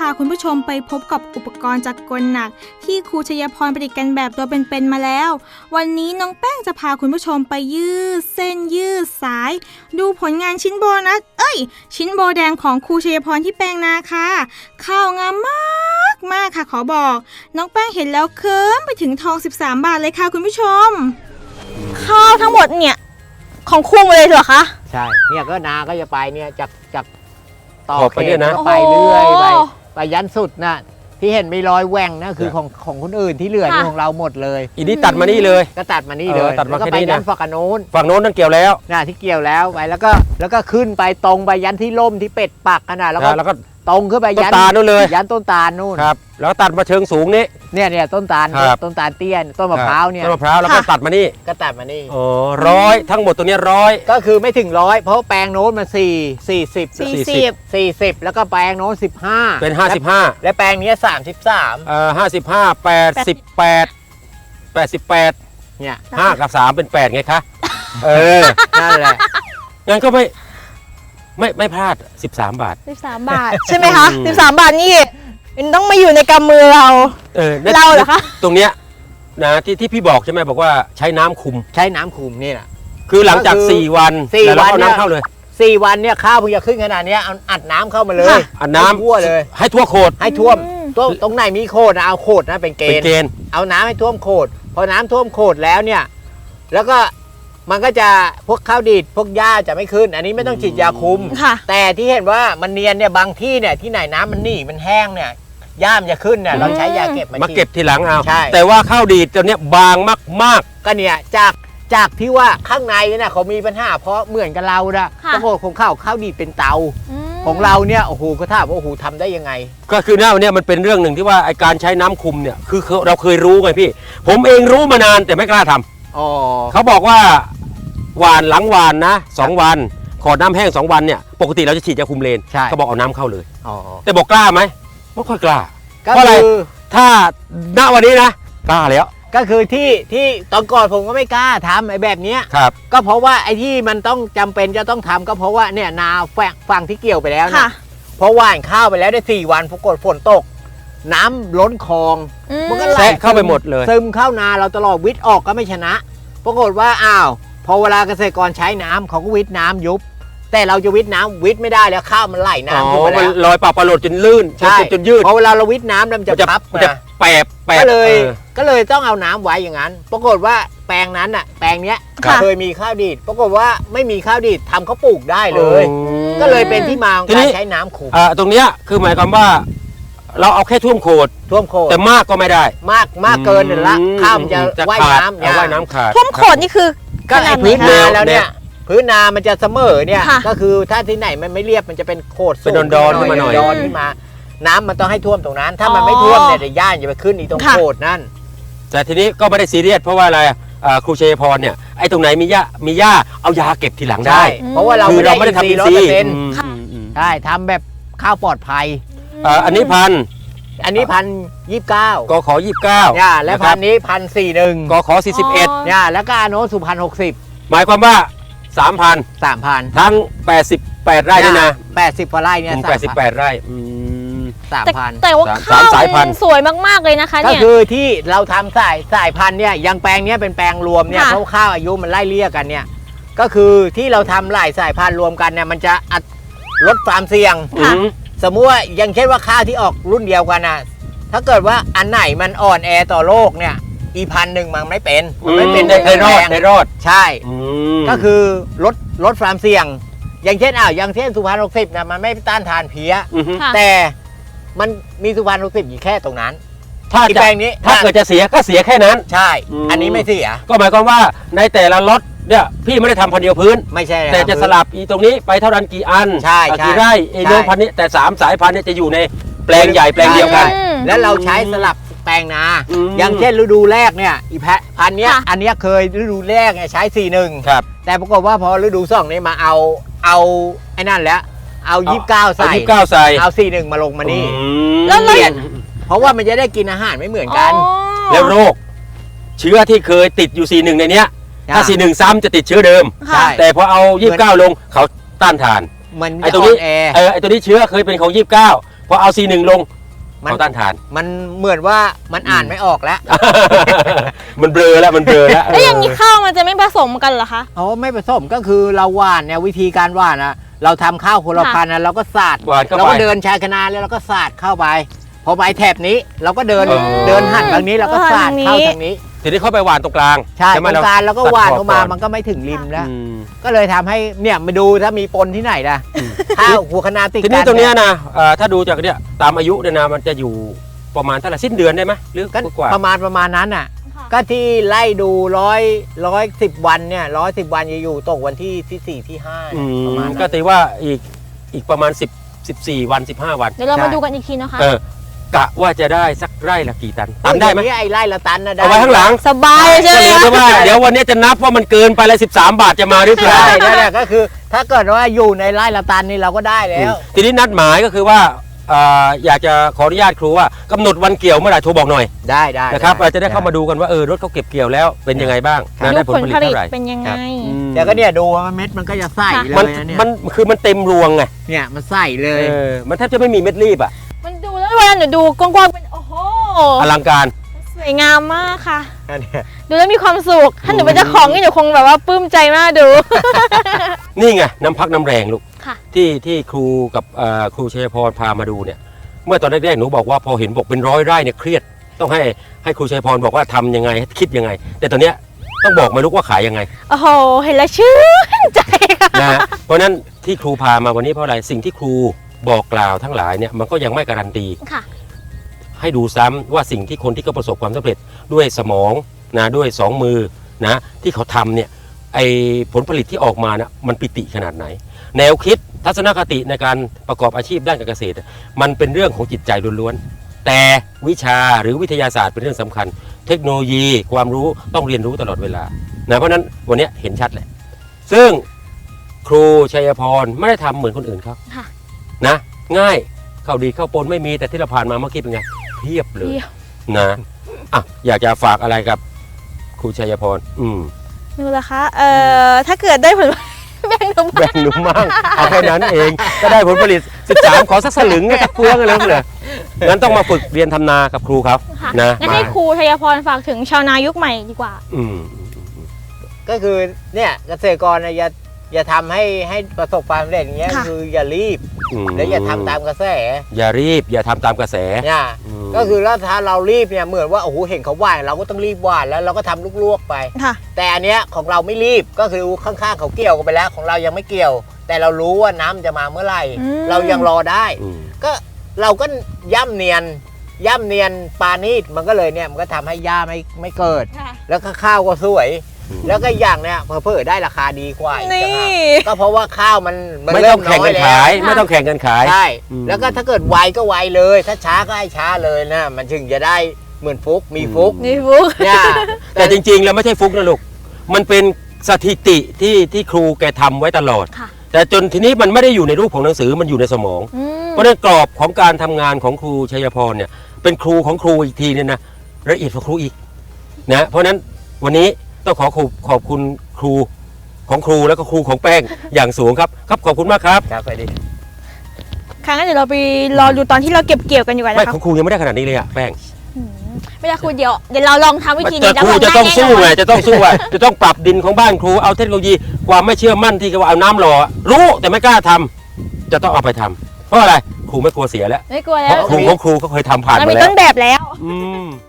าคุณผู้ชมไปพบกับอุปกรณ์จักรกลหนักที่ครูชัยพรประดิษฐ์กันแบบตัวเป็นๆมาแล้ววันนี้น้องแป้งจะพาคุณผู้ชมไปยืดเส้นยืดสายดูผลงานชิ้นโบนัสชิ้นโบแดงของครูชัยพรที่แปลงนาค่ะข้าวงามมากค่ะขอบอกน้องแป้งเห็นแล้วเคิ้มไปถึงทอง13 บาทเลยค่ะคุณผู้ชมข้าวทั้งหมดเนี่ยของครูเลยเหรอคะใช่เนี่ยก็นาก็จะไปเนี่ยจากต่อเขตนะไปเรื่อยไปยันสุดนะที่เห็นมีรอยแหว่งนะคือของคนอื่นที่เหลือนี่ของเราหมดเลยอีนี้ตัดมานี่เลยก็ตัดมานี่เลยแล้วก็ไปยันฝั่งโน้นนั่นเกี่ยวแล้วนะที่เกี่ยวแล้วไปแล้วก็ขึ้นไปตรงไปยันที่ล่มที่เป็ดปักกันนะแล้วก็ตรงขึ้นไปยันต้นตาลนู่นเลยยันต้นตาลนู่นครับแล้วตัดมาเชิงสูงนี้เนี่ยต้นตาลเตี้ยต้นมะพร้าวเนี่ยต้นมะพร้าวแล้วก็ตัดมานี่อ๋อ100ทั้งหมดตัวนี้100 ก็คือไม่ถึง100เพราะแปลงโน้นมัน40แล้วก็แปลงโน้น15 เป็น55 และแปลงนี้ 55 88เนี่ย5กับ3เป็น8ไงคะนั่นแหละงั้นก็ไม่พลาด13 บาท 13 บาทใช่ไหมคะ13 บาทนี่มันต้องมาอยู่ในกำมือเราเหรอคะตรงเนี้ยนะที่พี่บอกใช่ไหมบอกว่าใช้น้ำคุมนี่แหละคือหลังจาก4 วันแล้วเอาน้ำเข้าเลย 4 วันเนี่ยข้าวเพิ่งจะขึ้นขนาดนี้เอาอัดน้ำเข้ามาเลยอัดน้ำทั่วเลยให้ทั่วโคตรให้ท่วมตรงไหนมีโคตรนะเอาโคตรนะเป็นเกณฑ์เอาน้ำให้ท่วมโคตรพอน้ำท่วมโคตรแล้วเนี่ยแล้วก็มันก็จะพวกข้าวดีดพวกหญ้าจะไม่ขึ้นอันนี้ไม่ต้องฉีดยาคุมแต่ที่เห็นว่ามันเนียนเนี่ยบางที่เนี่ยที่ไหนน้ำมันหนีมันแห้งเนี่ยหญ้ามันจะขึ้นเนี่ยเราใช้ยาเก็บมาเก็บทีหลังเอาใช่แต่ว่าข้าวดีดตัวเนี้ยบางมากก็เนี่ยจากที่ว่าข้างในเนี่ยเขามีปัญหาเพราะเหมือนกับเรานะปรากฏของข้าวดีดเป็นเตาของเราเนี่ยโอ้โหก็ถามว่าโอ้โหทำได้ยังไงก็คือเนี่ยมันเป็นเรื่องหนึ่งที่ว่าไอการใช้น้ำคุมเนี่ยคือเราเคยรู้ไงพี่ผมเองรู้มานานแต่ไม่กล้าทำเขาบอกว่าหวานหลังหวานนะ2 วันขอน้ำแห้ง2 วันเนี่ยปกติเราจะฉีดยาคุมเลนเขาบอกเอาน้ำเข้าเลยแต่บอกกล้าไหมไม่ค่อยกล้าเพราะอะไรถ้าณวันนี้นะกล้าแล้วก็คือที่ตอนก่อนผมก็ไม่กล้าทำไอ้แบบนี้ก็เพราะว่าไอ้ที่มันต้องจำเป็นจะต้องทำก็เพราะว่าเนี่ยนาฝั่งที่เกี่ยวไปแล้วนะเพราะหว่านข้าวไปแล้วได้4 วันปรากฏฝนตกน้ำล้นคลองมันก็ไหลเข้าไปหมดเลยซึมเข้านาเราตลอดวิทย์ออกก็ไม่ชนะปรากฏว่าพอเวลาเกษตรกรใช้น้ำเขาก็วิทย์น้ำยุบแต่เราจะวิทย์น้ำวิทย์ไม่ได้แล้วข้าวมันไหลน้ำมันลอยปะปะหลดจนลื่นจนยืดพอเวลาเราวิทย์น้ำมันจะพับมันจะแปบก็เลยต้องเอาน้ำไว้อย่างนั้นปรากฏว่าแปลงนั้นแปลงเนี้ยเคยมีข้าวดีดปรากฏว่าไม่มีข้าวดีดทำเขาปลูกได้เลยก็เลยเป็นที่มาของการใช้น้ำขุมตรงเนี้ยคือหมายความว่าเราเอาแค่ท่วมโคตรแต่มากก็ไม่ได้มากเกินละข้าวมันจะว่ายน้ำขาดท่วมโคตรนี่คือก็พื้นนาแล้วเนี่ยพื้นนามันจะเสมอเนี่ยก็คือถ้าที่ไหนมันไม่เรียบมันจะเป็นโคตรสูงดอนขึ้นมาหน่อยขึ้นมาน้ำมันต้องให้ท่วมตรงนั้นถ้ามันไม่ท่วมเนี่ยย่านจะไปขึ้นอีตรงโคตรนั่นแต่ทีนี้ก็ไม่ได้ซีเรียสเพราะว่าอะไรครูชัยพรเนี่ยไอ้ตรงไหนมีหญ้าเอายาเก็บทีหลังได้เพราะว่าเราไม่ได้ทำอินทรีย์ใช่ทำแบบข้าวปลอดภัยอันนี้ 1,029 กข29 และพันนี้1,041 กข41 แล้วก็โน้ต1,060 หมายความว่า3,000ทั้ง88 ไร่นี่นะ 80 กว่าไร่เนี่ย 88 ไร่ 3,000แต่ว่าข้าวสวยมากๆเลยนะคะเนี่ยก็คือที่เราทำสายพันธุ์เนี่ยยังแปลงนี้เป็นแปลงรวมเนี่ยเพราะข้าวอายุมันไล่เลี่ยกันเนี่ยก็คือที่เราทำหลายสายพันธุ์รวมกันเนี่ยมันจะลดความเสี่ยงสมมุติว่าอย่างเช่นว่าข้าวที่ออกรุ่นเดียวกันนะถ้าเกิดว่าอันไหนมันอ่อนแอต่อโลกเนี่ย1,001มันไม่เป็นได้รอดใช่ก็คือลดความเสี่ยงอย่างเช่นสุพรรณ60นะมันไม่ต้านทานเพี้ยแต่มันมีสุพรรณ60อยู่แค่ตรงนั้นถ้าเกิดจะเสียก็เสียแค่นั้นใช่อันนี้ไม่เสียก็หมายความว่าในแต่ละล็อตเนี่ยพี่ไม่ได้ทำพันเดียวพื้นไม่ใช่แต่จะสลับตรงนี้ไปเท่านั้นกี่อันกี่ไร่โน้มพันนี้แต่3 สายพันธุ์เนี่ยจะอยู่ในแปลงใหญ่แปลงเดียวกันแล้วเราใช้สลับแปลงนาอย่างเช่นฤดูแรกเนี่ยพันเนี้ยอันนี้เคยฤดูแรกเนี่ยใช้41 ครับแต่ปรากฏว่าพอฤดู2นี่มาเอาไอ้นั่นแล้วเอา29ใส่เอา41มาลงมานี่แล้วเปลี่ยนเพราะว่ามันจะได้กินอาหารไม่เหมือนกันแล้วโรคเชื้อที่เคยติดอยู่41ในเนี้ยถ้า41ซ้ำจะติดเชื้อเดิมแต่พอเอา29ลงเขาต้านทานไอ้ตัวนี้เชื้อเคยเป็นของ29พอเอา41ลงเขาต้านทานมันเหมือนว่ามันอ่านไม่ออกแล้วมันเบลอแล้วมันเบลอแล้วแล้วอย่างนี้ข้าวมันจะไม่ผสมกันเหรอคะอ๋อไม่ผสมก็คือเราหว่านเนี่ยวิธีการหว่านนะเราทำข้าวคนละพันธุ์นะเราก็สาดหวานเข้าเราไปก็เดินชายคณาแล้วเราก็สาดเข้าไปพอไปแถบนี้เราก็เดินเออเดินหันทางนี้เราก็สาดเข้าทางนี้ทีนี้เขาไปหวานตรงกลางใช่ตไหมรงกลางแล้วก็หว่านเข้ามาตัดขอบก่อนมันก็ไม่ถึงริมแล้วอืมก็เลยทำให้เนี่ยมาดูถ้ามีปนที่ไหนนะข้าวหัวคะนาติดทีกันนี้ตรงเนี้ยนะถ้าดูจากเนี่ยตามอายุเนี่ยนะมันจะอยู่ประมาณเท่าไหร่สิ้นเดือนได้ไหมหรือก็กว่าประมาณนั้นอ่ะ ก็ที่ไล่ดู110 วันเนี่ย110 วันจะอยู่ตกวันที่4ที่5 อืมประมาณก็นั้นตีว่าอีกประมาณ14 วัน15 วันเดี๋ยวเรามาดูกันอีกทีนะคะกะว่าจะได้สักไร่ละกี่ตันทำได้ไหมไอ้ไล่ละตันนะได้เอาไว้ข้างหลังสบายใช่ก็ไหมเหลือคะแต่ว่าเดี๋ยววันนี้จะนับว่ามันเกินไปเลย13 บาทจะมาหรือเปล่าใช่นั่นแหละก็คือ ถ้าเกิดว่าอยู่ในไล่ละตันนี่เราก็ได้แล้วทีนี้นัดหมายก็คือว่าอยากจะขออนุญาตครูว่ากำหนดวันเกี่ยวเมื่อไหร่โทรบอกหน่อยได้นะครับเราจะได้เข้ามาดูกันว่ารถเขาเก็บเกี่ยวแล้วเป็นยังไงบ้างนะดูได้ผลผลผลิตผลิตเท่าไหร่เป็นยังไงอืมแต่ก็เนี่ยดูว่าเม็ดมันก็จะใส่เลมันยนะเนี่ยมันคือมันเต็มรวงไงเนี่ยมันใส่เลยมันแทบจะไม่มีเม็ดรีบอ่ะมันดูแล้วเวลาหนูดูกว้างๆเป็นโอ้โหอลังการสวยงามมากค่ะนั่นเนี่ยดูแล้วมีความสุข ถ้าหนูเป็นเจ้าของนี่หนูคงแบบว่าปลื้มใจมากดูนี่ไงน้ำพักน้ำแรงลูกค่ะที่ครูกับครูชัยพรพามาดูเนี่ยเมื่อตอนแรกๆหนูบอกว่าพอเห็นบอกเป็น100 ไร่เนี่ยเครียดต้องให้ครูชัยพรบอกว่าทำยังไงคิดยังไง แต่ตอนเนี้ยต้องบอกมาลูกว่าขายยังไงโอ้โห เห็นแล้วชื่นใจค่ะนะฮะเพราะฉะนั้นที่ครูพามาวันนี้เพราะอะไรสิ่งที่ครูบอกกล่าวทั้งหลายเนี่ยมันก็ยังไม่การันตีค่ะให้ดูซ้ำว่าสิ่งที่คนที่เขาประสบความสำเร็จด้วยสมองนะด้วย2 มือนะที่เขาทำเนี่ยไอผลผลิตที่ออกมานะมันปิติขนาดไหน แนวคิดทัศนคติในการประกอบอาชีพด้านการเกษตร มันเป็นเรื่องของจิตใจล้วนๆแต่วิชาหรือวิทยาศาสตร์เป็นเรื่องสำคัญ เทคโนโลยีความรู้ต้องเรียนรู้ตลอดเวลานะเพราะฉะนั้นวันนี้เห็นชัดเลยซึ่งครูชัยพรไม่ได้ทำเหมือนคนอื่นเขาค่ะนะง่ายเข้าดีเข้าปนไม่มีแต่ที่เราผ่านมาเมื่อกี้เป็นไงเพียบเลยนะอยากจะฝากอะไรกับครูชัยพรดูละคะ ถ้าเกิดได้ผล แบ่งหนูแบ่งหนุ่มมั่งเอาแค่นั้นเองก็ได้ผลผลิต13ขอสักสลึงสักเฟืองอะไรนั่นเลยงั้นต้องมาฝึกเรียนทำนากับครูครับค่ะนะงั้นให้ครูชัยพรฝากถึงชาวนายุคใหม่ดีกว่าก็คือเนี่ยเกษตรกรนะอย่าทำให้ประสบความสำเร็จอย่างเงี้ยค่ะคืออย่ารีบและอย่าทำตามกระแสอย่ารีบอย่าทำตามกระแสเนี่ยก็คือแล้วถ้าเรารีบเนี่ยเหมือนว่าโอ้โหเห็นเขาหว่านเราก็ต้องรีบหว่านแล้วเราก็ทำลวกๆไปค่ะแต่อันเนี้ยของเราไม่รีบก็คือข้างๆเขาเกี่ยวกันไปแล้วของเรายังไม่เกี่ยว แต่เรารู้ว่าน้ำจะมาเมื่อไหร่ เรายังรอได้ ก็เราก็ย่ำเนียนปานีตมันก็เลยเนี่ยมันก็ทำให้หญ้าไม่เกิดค่ะแล้วก็ข้าวก็สวย แล้วก็อย่างเนี่ยเพิ่ได้ราคาดีกว่าอีกนี่ต่างหากก็เพราะว่าข้าวมันไม่เริ่ต้อมงน้แข่งอกัยนแล้วขายไม่ต้องแข่งกันขายใช่อืมแล้วก็ถ้าเกิดไวก็ไวเลย ถ้าช้าก็ให้ช้าเลยนะมันถึงจะได้เหมือนฟุกมีฟุกนี่ฟุกเนี่ยแต่จริงๆแล้วไม่ใช่ฟุกนะลูกมันเป็นสถิติที่ครูแกทำไว้ตลอดค่ะแต่จนทีนี้มันไม่ได้อยู่ในรูปของหนังสือมันอยู่ในสมอง เพราะฉะนั้นกรอบของการทำงานของครูชัยพรเนี่ยเป็นครูของครูอีกทีเนี่ยนะละเอียดกว่าครูอีกนะเพราะฉะนั้นวันนี้ต้องขอบคุณครูของครูแล้วก็ครูของแป้งอย่างสูงครับขอบคุณมากครับครับไปดิครั้งนั้นเดี๋ยวเราไปรอดูตอนที่เราเก็บเกี่ยวกันอยู่กันไม่นะขคะองครูยังไม่ได้ขนาดนี้เลยอะแป้งไม่ได้ครูเดี๋ยวเราลองทำวิธีแต่นี้ครูจะต้องสู้ไงจะต้องสู้อ่ะจะต้องปรับดินของบ้านครูเอาเทคโนโลยีความไม่เชื่อมั่นที่เขาเอาน้ำหล่อรู้แต่ไม่กล้าทำจะต้องเอาไปทำเพราะอะไรครูไม่กลัวเสียแล้วไม่กลัวเพแล้วราะครูของครูเขาเคยทำผ่านเรามามีแล้ต้วนแบบแล้วอืม